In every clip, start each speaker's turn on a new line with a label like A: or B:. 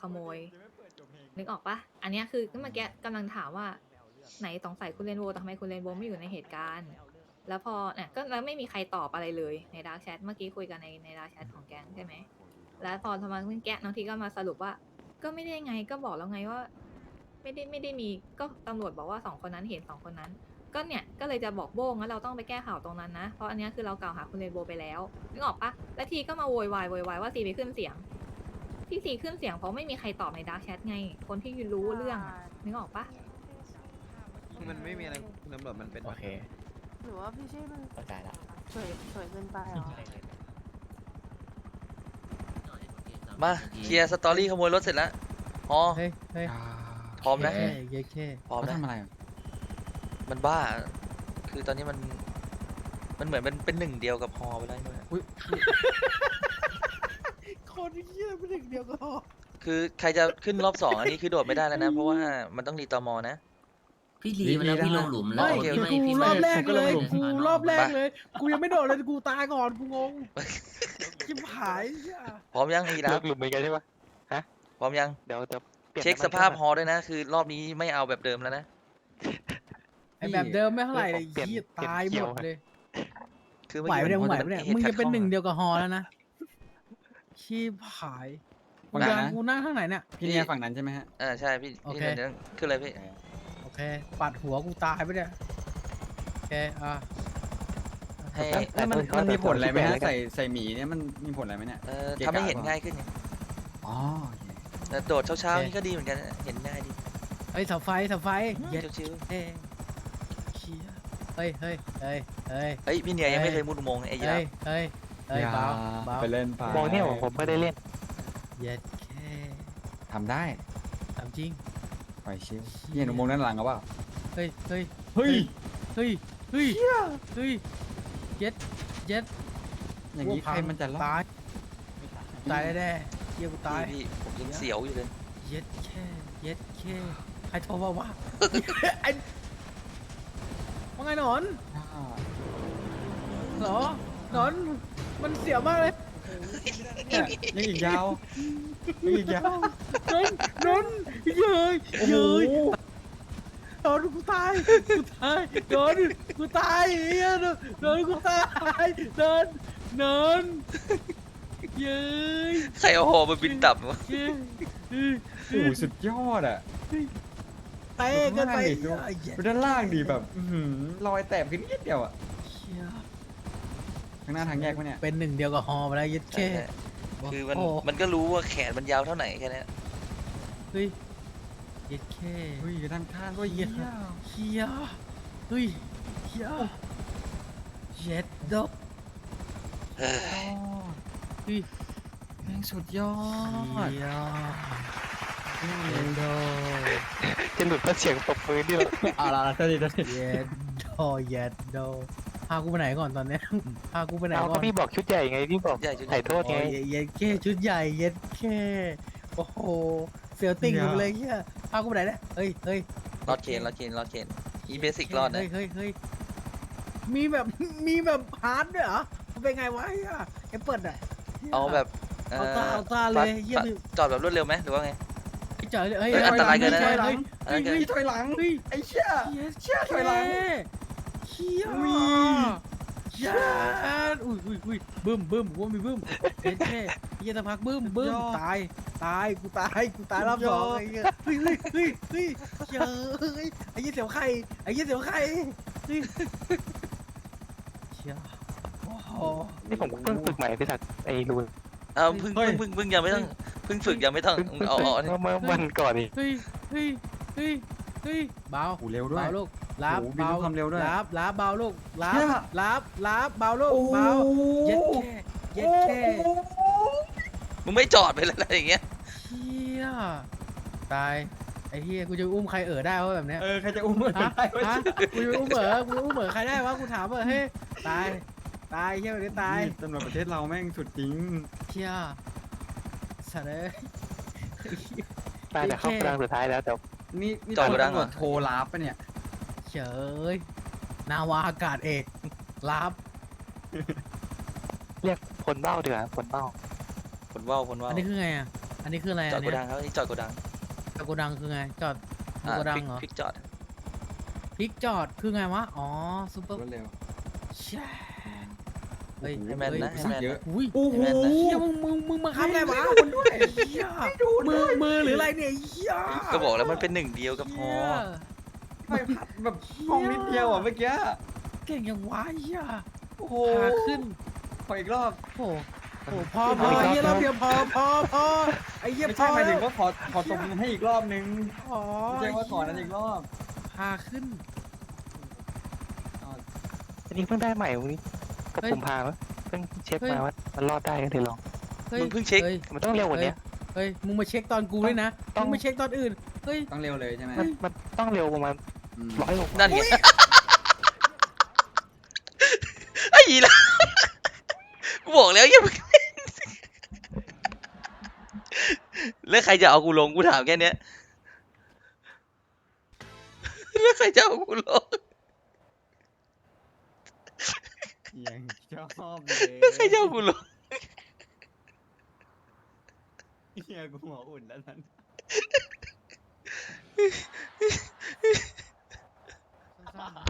A: ขโมยนึกออกปะอันเนี้ยคือเมื่อกี้กำลังถามว่าไหนสงสัยคุณเรนโบว์แต่ทำไมคุณเรนโบว์ไม่อยู่ในเหตุการณ์แล้วพอเนี่ยก็แล้วไม่มีใครตอบอะไรเลยในดาร์กแชทเมื่อกี้คุยกันในดาร์กแชทของแก๊งใช่ไหมแล้วพอทำไมเมื่อกี้น้องทีก็มาสรุปว่าก็ไม่ได้ไงก็บอกแล้วไงว่าไม่ได้มีก็ตำรวจบอกว่า2 คนนั้นเห็น2 คนนั้น ก็เนี่ยก็เลยจะบอกโบ้งว่าเราต้องไปแก้ข่าวตรงนั้นนะเพราะอันเนี้ยคือเรากล่าวหาคุณเรนโบว์ไปแล้วนึกออกปะแล้วทีก็มาโวยวายว่าซีไปขึ้นเสียงที่ซีขึ้นเสียงเพราะไม่มีใครตอบในดาร์กแชทไงคนที่รู้เรื่องอะนึกออกปะ
B: มันไม่มีอะไรคุณตำรวจมันเป็น
C: โอเค
D: หรือว่าพี่ชี่มัน
C: เข้าใจละ
D: สวยเกินไปเหรอ
E: มาเคลียร์สตอรี่ขโมยรถเสร็จแล้วอ๋อ
F: เฮ้ยเฮ้ย
E: พร้อมนะ
F: เย้เย้เค
E: พร้อม
B: เขา
E: นะ
B: ทำอะไร
E: มันบ้า คือตอนนี้มันเหมือนมันเป็นหนึ่งเดียวกับฮอไปแล้วเนี่ย
F: คนเหี้ยเป็นเด็กเดียวก็พอ
E: คือใครจะขึ้นรอบ2อันนี้คือโดดไม่ได้แล้วนะ เพราะว่ามันต้องรีตอมอนะ
G: พี่ลีมาแล้วพี่ลงหลุมแล้ว
F: ไม่
E: โอเค
G: พี่ไม่
F: กู
G: พี่
F: ร
G: ไม่
F: อบแรกเลย
G: ผม
F: กู
G: ลงหลุม
F: รอบแรกเลย กูยังไม่โดดเลยกูตายก่อนกูงงชิบหายเหี้ย
E: พร้อมยังอีรับ
C: หลุมเหมือนกันใช่ปะ
E: พร้อมยัง
C: เดี๋ยวจะปลี่ยน
E: เช็ค
C: น้ำ
E: ส
C: มัน
E: ภาพ
C: เค
E: ฮ
C: รื่อง
E: อด้วยนะ คือรอบนี้ไม่เอาแบบเดิมแล้วนะ
F: ไอแบบเดิมไม่เท่าไหร่เลย
C: เปลี่ยน
F: เหี้ย
C: เปลี่ยน
F: ตาย
C: เกี
F: ห
C: ย
F: ม
C: ว
F: ดเลย
E: คือ
F: ไหวปะเนี่ยมึงไหวปะเนี่ย
E: หตุ
F: มึง
E: ขั
F: จะเป็น
E: ข้อ
F: หนึ่งเดียวกับฮอแล้วนะชิบหาย
B: ฝั่งไหนนะ
F: กูนั่งข้างไหนเนี่ย
B: พี่เนี่ยฝั่งนั้นใช่ไหมฮะ
E: ใช่พี่
F: โอ
E: พี่
F: เค
E: เดี๋ยวขึ้นเลยพี่
F: โอเคปัดหัวกูตายไปเนี่ยโอเค
E: ให้
B: แล้วมันมีผลอะไรไหมฮะใส่หมีเนี่ยมันมีผลอะไรไหมเนี่ย
E: ทำให้เห็นง่ายขึ้นไง
B: อ๋อโอเค
E: แต่โดดเช้าๆนี่ก็ดีเหมือนกันนะเห็นง่ายดี
F: เฮ้ยเสาไฟเย็ด
E: ชิว
F: เอ้ยเชี่ยเฮ้ยเฮ้ยเฮ้ยเฮ้ย
E: ๆเฮ้ยพี่เนียยังไม่เคยมุดอุโมงค์ไอ้ยีรา
F: เฮ้
E: ฟ
F: ยเฮ้ยเฮ้ยเบาเบา
B: ไปเล่นไป
C: มองเนี่ยผมไม่ได้เล่น
F: เย็ดแค่
B: ทำได้
F: ถามจริง
B: ปล่อยชิวพี่เห็นอุโมงค์ด้านหลังเขาเปล่า
F: เฮ้ยเฮ้ย
B: เฮ้ย
F: เฮ้ยเฮ้ยเฮ้ยเย็ดเย็ด
B: อย่างนี้ใครมันจะรอด
F: ตายตายแน่ๆเยี่ยกูตาย
E: พี่ผมยังเสียวอยู่เลย
F: เย็ดแค่เย็ดแค่ใครโทรมาวะไอ้ว่าไงหนอน
B: อ่า
F: เหรอหนอนมันเสียวมากเลย
B: เนี่ยยังอีกยาวยังอีกยาว
F: นนเย้ย
B: โอ้โห
F: เย้ยนอนกูตายนอนกูตายเฮียนอนกูตายนอนเย้ย
E: ใครเอาหอมาบินต่ำวะ
F: เย้ย
B: โอ้โหสุดยอดอ่ะ
F: เตะกันไป
B: ดูด้านล่างดิแบบรอยแตกขึ้นนิดเดียวอ่ะ
F: เชี่ย
B: ข้างหน้าทางแยกปะเนี่ย
F: เป็นหนึ่งเดียวกับฮอมาแล้วยัดแค่
E: คือมัน
F: โอ้
E: มันก็รู้ว่าแขนมันยาวเท่าไหนแค่นั้น
F: เฮ้ยยัดแค่
B: เฮ้ยด้านข้างก็
F: เฮี
B: เยี่
F: ย
B: ย
F: เฮียเฮ้ยเฮียเย็ดดอก
E: เฮ้ย
F: เฮ้ย
B: แม่งสุดยอด
F: เฮียเย็ดดอก
C: จะหลุดเพราะเสียงปรบมือนี่แหละ
B: อ่ะละตัวนี้
F: เย็ดดอกเย็ดดอกพากูไปไหนก่อนตอนเนี้ยพากูไปไหน
C: เอา
F: ก่
C: ก็
F: อน
C: พี่บอกชุดใหญ่ไงพี่บอก
E: ใหญ่จน
C: ถ่ายโทษ
F: โอ้
C: ไง
F: ยเย็ดแค่ชุดใหญ่เย็ดแค่โอ้โหเสียวติ่งหมดเลยเฮียพากูไปไหนเนี่ยเฮ้ยเฮ้ย
E: รอดเคนอีเบสิกรอดนะ
F: เฮ้ยเฮ้ยมีแบบมีแบบฮาร์ดด้วยเหรอมันเป็นไงวะเฮียไอ้เปิดอ่ะ
E: เอาแบบ
F: เอาตาเลยเฮีย
E: จอดแบบรวดเร็วไหมหรือว่าไง
F: ไอ้เจ๋อเลยเฮ้ย
E: เฮ้ยอันตรายเกินนะ
F: เฮ้ย
E: อันนั้นเกิน
B: พี่ถอยหลัง
F: เฮ้ย
B: ไอ้เชี่ย
F: เชี่ย
B: ถอยหลัง
F: เชี่ย
B: อุ้ย
F: เชี่ยอุ้ยบึ้มว่ามีบึ้มเฮ้ยแค่เฮียตะพักบึ้มตายกูตายรอบสองไอ้เหี้ยเฮ้ยเฮ้ยเฮ้ยไอ้เหี้ยเสียวไข่เฮ้ยเชี่ยโอ้โห
C: นี่ผมเพิ่งฝึกใหม่พี่ศักดิ์ไอ้รูน
E: เอาเพึ่งยังไม่ต้องเพึ่งฝึกยังไม่ต้องเอานี่
C: เมื่อวันก่อนนี่
F: เฮ้ยเบา
B: โอ้เร็วด้วย
F: เบาลูกรับ
B: โอ้โหบินด้วยความเร็วด้วย
F: รับเบาลูกรั
B: เชี่
F: บ
B: ย
F: รับเบาลูกเบาเย็ดแค่
E: มึงไม่จอดไปแล้วอะไรอย่างเงี้ย
F: เชี่ยตายไอ้เฮียกูจะอุ้มใครได้วะแบบเนี้ย
B: ใครจะอุ้มมือ
F: ฮะ
B: ได้วะ
F: ฮะกูจะอุ้มใครได้วะกูถามเฮ้ยตายเฮียแบบนี้ตาย
B: นี่ตำรวจประเทศเราแม่งสุดจริง
F: เชี่ยสัตว์เลย
C: น่าจะเข้ากลางสุดท้ายแล้วแต่
B: นี่
E: จอด
B: ตำร
E: กูดังเหร
B: ว
E: อ
B: จโทรลาบปะเนี่ย
F: เฉยนาวาอากาศเอกรับ
C: เรียกผลเบ้าดีกว่าผลเบ้า
E: ผลว่าว
F: อันนี้คือไงอ่ะอันนี้คืออะไร
E: จอ
F: อั
E: ด
F: น
E: โก
F: เนี้ย
E: ดังครับนี่จอดโกดัง
F: จอดโกดังคือไงจอดโกดังเหรอ
E: พลิกจอด
F: พลิกจอดคือไงวะอ๋อซูเปอร์
B: รวดเร็ว
F: แช่เฮ้ย
E: ให้แม่นนะ
F: เฮ้ย
E: ให้แม่น
B: เยอะ
E: นะ
F: อุ้ย
B: โอ้โห
E: ให้แม่นนะ
F: เฮียมึงมาค้ำไงวะเฮียมือหรืออะไรเนี่ยเฮีย
E: ก็บอกแล้วมันเป็นหนึ่งเดียวกับฮอ
B: ไม่พัดแบบห้องนิดเดียวอ่ะเมื่อกี้
F: เก่งอย่างวะเฮีย
B: โอ้โห
F: ขาขึ้น
B: ขออีกรอบ
F: โอ้โหพอเฮียเราเดียวพอไอ้เฮีย
B: ไม่
F: พ
B: ใช่
F: อ
B: หมายถึ
F: แล้
B: ง
F: ว
B: ว่าขอตบมือให้อีกรอบนึง
F: อ๋อ
B: ไม่ใช่ว่าขอนั้นอีกรอบ
F: ขาขึ้น
C: อันนี้เพิ่งได้ใหม่วันนี้กับ
F: เฮ้ย
C: ผมพามั้งเพิ่งเช็ค
F: เฮ้ย
C: มาว่ามันรอดได้ก็เลยลอง
F: ฮ้ย
E: มึงเพิ่งเช็ค
F: ฮ้ย
C: มันต้องเร็วกว่านี้
F: เฮ้ยมึงมาเช็คตอนกูด้วยนะ
C: ต้อง
F: มึงไม่เช็คตอนอื่นเฮ้ย
B: ต้องเร็วเลยใช่ไหม
C: มันต้องเร็วประมาณ
B: อืม
C: 100 โล
E: นั่นไงไอ้ยีละกูบอกแล้วอย่าเพิ่งเล่นแล้วใครจะเอากูลงกูถามแค่เนี้ยแล้วใครจะเอากูลง
B: ยังชอบเลย
E: แล้วใครจะเอากูลง
B: เฮียกูหัวอุ่นแล้วนั้น
F: สั้นๆ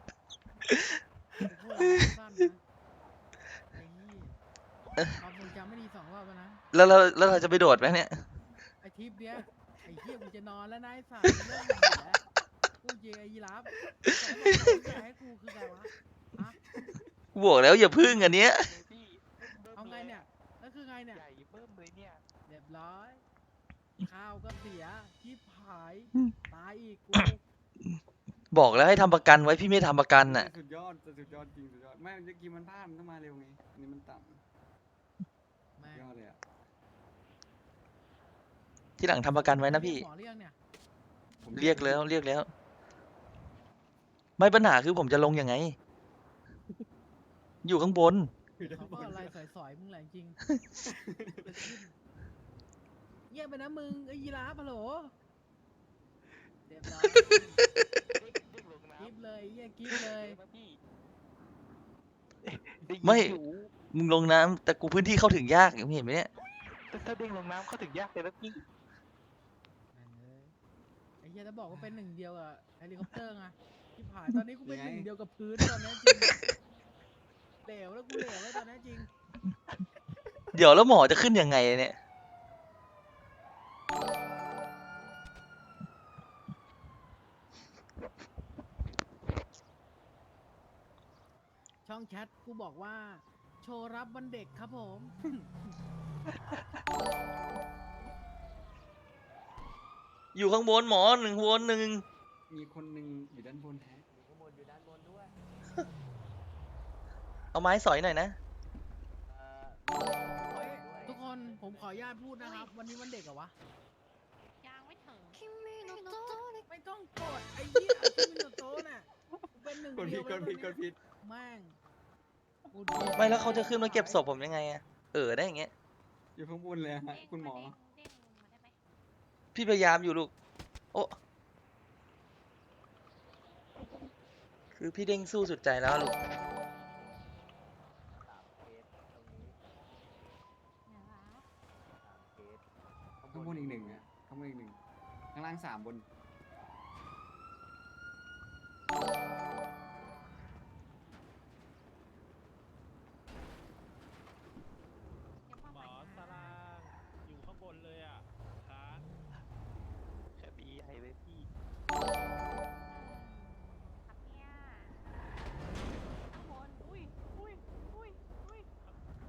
F: พูดอะไรสั้นๆนะไอ้นี่ความทรงจำไม่ดี2 รอบแล้วนะ
E: แล้วเราจะไปโดดไหมเนี่ย
F: ไอ้ทิปเนี้ยไอ้เหี้ยกูจะนอนแล้วนะไอ้สัตว์เรื่องมึงอยู่แล้วกูเจอไอ้ยีราฟแต่ให้กูคือไงวะฮะ
E: กูบอกแล้วอย่าพึ่งอันเนี้ย
F: เอาไงเนี่ยแล้วคือไงเนี่ย
C: ใหญ่เบิ่มเลยเนี่ย
F: เรียบร้อยข้าวก็เสียชิบหายตายอีกกู
E: บอกแล้วให้ทำประกันไว้พี่ไม่ทำประกันน่ะ
B: สุดยอดสุดยอดจริงสุดยอดไม่เมื่อกี้มันพลาดมันต้องมาเร็วไงอันนี้มันต่ำ
F: แม่
B: สุด
F: ง
B: ยอดเลยอ่ะ
E: ที่หลังทำประกันไว้นะพี่
F: หมอเรียกเนี่ย
B: ผม
E: เรียกแล้ว ไม่ปัญหาคือผมจะลงยังไง อยู่ข้างบน
B: คือด้าน
F: เขา
B: บ
F: ก็
B: น
F: อะไรสอยๆมึงแหละจริงเงียบไปนะมึงไอ้ยีราฟฮัลโหลเรียบร้อยกิฟเลยเยี่ยกิฟเลย
E: ไม่ มึงลงน้ำแต่กูพื้นที่เข้าถึงยากอย่างเห็นไหมเนี่ย
C: ถ้าเด้งลงน้ำเข้าถึงยากเลยนะพี่
F: ไอ้เหี้ยจะบอกว่าเป็น1 เดียวกับเฮลิคอปเตอร์ไงที่ผ่านตอนนี้กูเป็น1 เดียวกับพื้นตอนนี้จริงเหลวแล้วกูเหลวแล้วตอนนี้จริง
E: เดี๋ยวแล้วหมอจะขึ้นยังไงเนี่ย
F: ช่องแชทกูบอกว่า โชว์รับวันเด็กครับผม
E: อยู่ข้างบนหมอ1 วน 1
B: มีคนหนึ่งอยู่ด้านบนแท้
E: เอาไม้สอยหน่อยนะ
F: เฮ้ยทุกคนผมขออนุญาตพูดนะครับ วันนี้วันเด็กเหรอวะ
D: ยังไม่ถึง
F: ไม่ต้องกดไอ้เหี้ยคิมิโนโตะน่ะกูเป็น1
B: กด
F: เดี
B: ผิ
F: ย
B: ด
F: ว
B: กดผิดกดผิด
F: แม่งกู
E: ไม่แล้วเขาจะขึ้นมาเก็บศพผมยังไงอะได้อย่างเงี้ย
B: อยู่ข้างบนเลยฮะคุณหมอ
E: พี่พยายามอยู่ลูก โอ้คือพี่เด้งสู้สุดใจแล้วลูก
B: ข้างบนอีก 1อ่ะข้างบนอีก 1ข้างล่าง3บน